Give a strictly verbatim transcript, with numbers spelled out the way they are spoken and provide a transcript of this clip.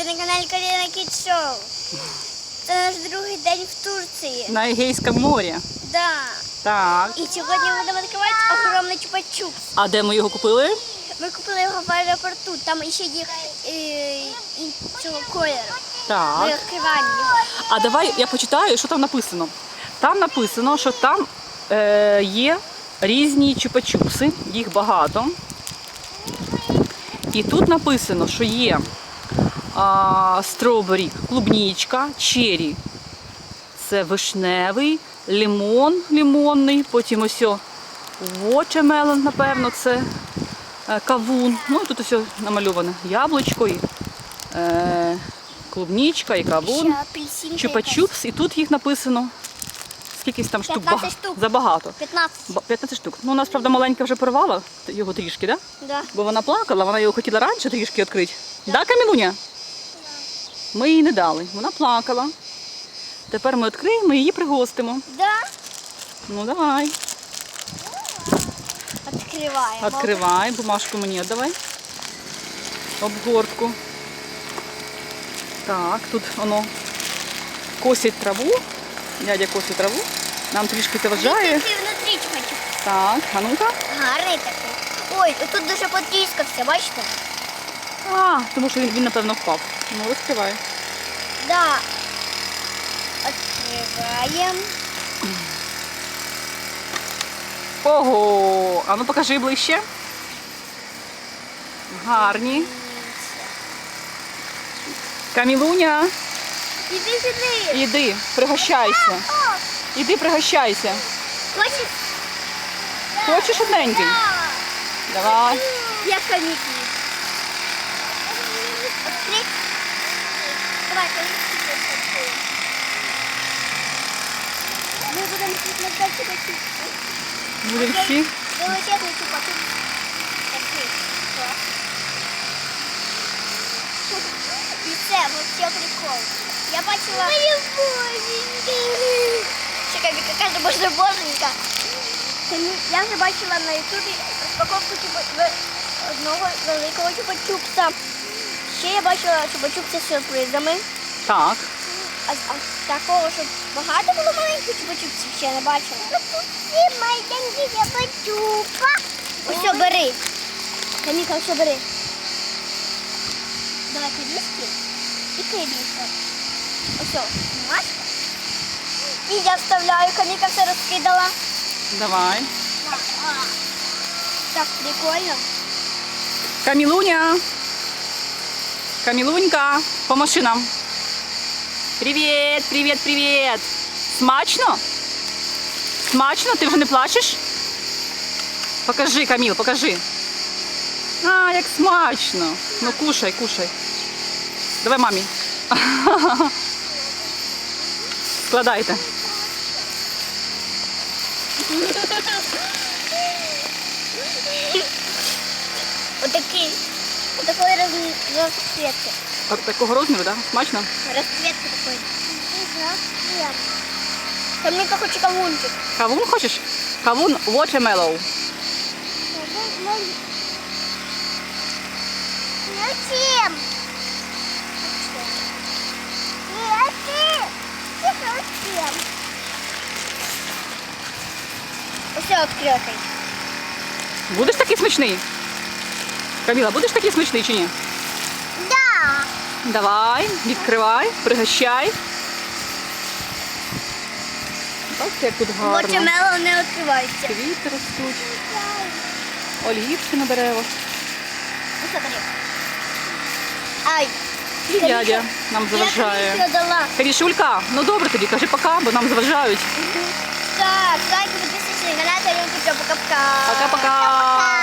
на каналі Каріна Кіт Шоу. Це наш другий день в Турції. На Егейському морі. Да. Так. І сьогодні ми будемо відкривати огромний чупа-чупс. А де ми його купили? Ми купили його в аеропорту, там ще є е, іншого кольору. Ми Так. відкриваємо його. А давай я почитаю, що там написано. Там написано, що там е, є різні чупа-чупси, їх багато. І тут написано, що є а, стробері, клубнічка, чері. Це вишневий, лимон лимонний, потім ось watermelon, напевно, це е, кавун. Ну і тут ось намальоване яблучко, і, е, клубнічка і кавун. Ще апельсинка Чупа-чупс, і тут їх написано скількись там штук. п'ятнадцять Бага- штук. Забагато. п'ятнадцять. Ба- п'ятнадцять штук. Ну, у нас, правда, маленька вже порвала його трішки, да? Да. Бо вона плакала, вона його хотіла раніше трішки відкрити. Да, Камілуня? Ми їй не дали. Вона плакала. Тепер ми відкриємо і її пригостимо. Да. Ну, давай. Відкриваємо. Відкривай. Бумажку мені віддавай. Обгортку. Так, тут воно косить траву. Дядя косить траву. Нам трішки заважає. Який внутрі чупа-чупс. Так, а ну-ка. Гарний такий. Ой, тут дуже потріскався, бачите? А, тому що він, він напевно, впав. Ну, розкривай. Да. Відкриваємо. Ого! А ну покажи ближче. Гарні. Камілуня, Іди сюди. іди, пригощайся. О, Іди, пригощайся. хочеш? Хочеш одненький? Да. Давай. Я комітні. Открыть. Давай, комітні відкриємо. Ми будемо смакувати чупа-чупс. Будемо Окей. всі. Величезний чупа-чупс. Такий. О. І це вообще прикол. Я бачила... Моя боженька. Чекай, Віка каже, боже, боженька. Я вже бачила на ютубі розпаковку чупа- одного великого чупа-чупса. Ще я бачила чупа-чупси з сюрпризами. Так. А, а такого, щоб багато було маленьких чупа-чупсів, ще не бачила. Ці маленькі чупа-чупа. Ось, бери. Каміка, ось бери. Давай корішки і корішка. Ось, бумажка. І я вставляю, Каміка все розкидала. Давай. Так, прикольно. Камілуня. Камілунька, помаши нам. Привіт, привіт, привіт. Смачно? Смачно? Ти вже не плачеш? Покажи, Каміл, покажи. А, як смачно. Ну, кушай, кушай. Давай мамі. Складайте. Отакий. Отакої роз- розцвітки. От такого розміру, так? Да? Смачно? Розцвітки такої. Каміка хоче кавунчик. Кавун хочеш? Кавун watermelon. Зачем? Зачем? Усе відкритий. Будеш такий смачний? Каміла, будеш такий смачний чи ні? Да. Давай, відкривай, пригощай. Бачите, як тут гарно. Watermelon не відкривається. Квіти ростуть, олівці на деревах. Усе бери. Ай. І дядя нам заважає. Я тобі дала. Карішулька, ну добре тоді, кажи пока, бо нам заважають. Так, лайк, підписуйтесь на канал, пока-пока. Пока-пока.